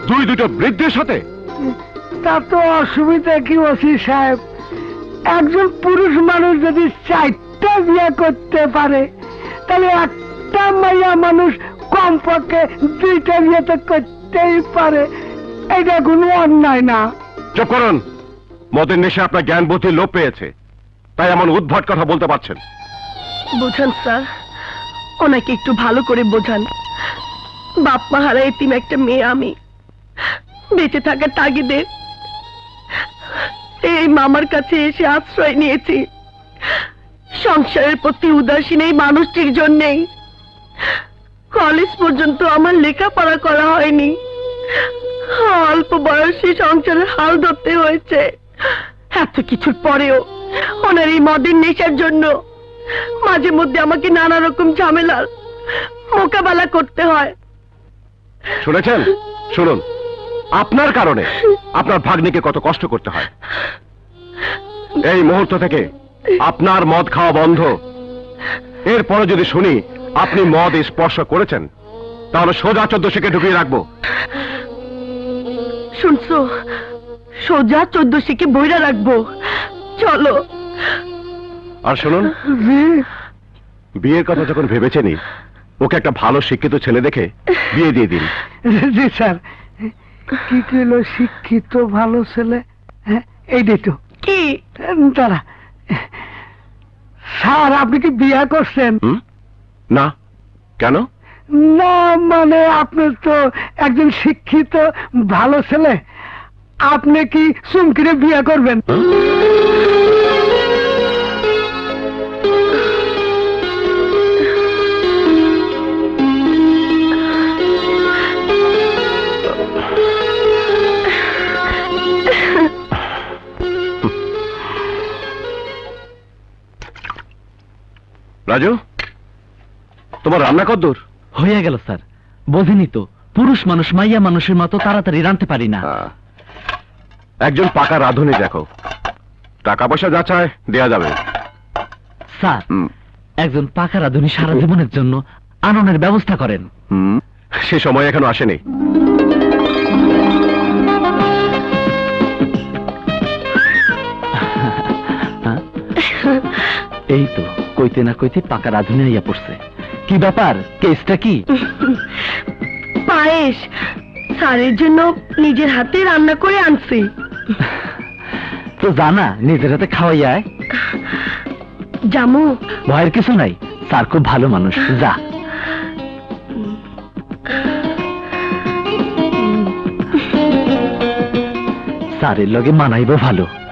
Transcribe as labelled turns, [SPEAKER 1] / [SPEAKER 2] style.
[SPEAKER 1] দুটো বৃদ্ধের সাথে?
[SPEAKER 2] তা তো অসুবিধা কি ওসি সাহেব? একজন পুরুষ মানুষ যদি 4টা বিয়ে করতে পারে, তাহলে একটা মাইয়া মানুষ কমপক্ষে 2টা বিয়ে তো করতেই পারে। এটা কোনো অন্যায় না।
[SPEAKER 1] চুপ করুন। মদের নেশে আপনার জ্ঞান বুদ্ধি লোপ পেয়েছে, তাই এমন উদ্ভট কথা বলতে পারছেন।
[SPEAKER 3] বোঝান স্যার, ওনাকে একটু ভালো করে বোঝান। বাপ মা হারা এতিম একটা মেয়ে আমি। বেঁচে থাকার তাগিদে এই মামার কাছে এসে আশ্রয় নিয়েছি। সংসারের প্রতি উদাসীন এই মানুষটির জন্যেই কলেজ পর্যন্ত আমার লেখাপড়া করা হয়নি। অল্প বয়সে সংসারের হাল ধরতে হয়েছে। এত কিছুর পরেও ওনার এই মদের নেশার জন্য মাঝে মধ্যে আমাকে নানা রকম ঝামেলার মোকাবেলা করতে হয়।
[SPEAKER 1] শুনেছেন? শুনুন, আপনার কারণে আপনার ভাগ্নিকে কত কষ্ট করতে হয়। এই মুহূর্ত থেকে আপনার মদ খাওয়া বন্ধ। এরপরে যদি শুনি আপনি মদ স্পর্শ করেছেন, তাহলে সোজা 14 শিকে ঢুকিয়ে রাখবো।
[SPEAKER 3] শুনছো? সোজা 14 শিকে বইরা রাখবো। চলো।
[SPEAKER 1] আর শুনুন, বিয়ের কথা যখন ভেবেছেনই, ওকে একটা ভালো শিক্ষিত ছেলে দেখে বিয়ে দিয়ে দিন।
[SPEAKER 2] জি স্যার। কি কইল শিক্ষিত ভালো ছেলে? এইটাই তো।
[SPEAKER 3] কি?
[SPEAKER 2] তারা স্যার, আপনি কি বিয়ে করছেন?
[SPEAKER 1] না। কেন?
[SPEAKER 2] না মানে আপনি তো একজন শিক্ষিত ভালো ছেলে, আপনি কি চুমকিরে বিয়ে করবেন?
[SPEAKER 1] রাজু, তোমার রান্না কদ্দূর?
[SPEAKER 4] হয়ে গেল স্যার। বোঝেনি তো, পুরুষ মানুষ মাইয়া মানুষের মতো তাড়াতাড়ি রাঁধতে পারি না।
[SPEAKER 1] একজন পাকা রাঁধুনি দেখো, টাকা পয়সা যা চায় দেয়া যাবে।
[SPEAKER 4] স্যার, একজন পাকা রাঁধুনি সারা জীবনের জন্য আননের ব্যবস্থা করেন।
[SPEAKER 1] সে সময় এখনো আসেনি।
[SPEAKER 4] এই তো কইতে না কইতে পাকা রাঁধুনি আইয়া পড়ছে। কি ব্যাপার, কেসটা কি?
[SPEAKER 3] পায়েস স্যারের জন্য নিজের হাতে রান্না করে আনছি।
[SPEAKER 4] তো জানা নিজের হাতে খাওয়াইয়ায়।
[SPEAKER 3] জামু?
[SPEAKER 4] ভয়ের কিছু নাই, স্যার খুব ভালো মানুষ। যা। স্যারের লগে মানাইব ভালো।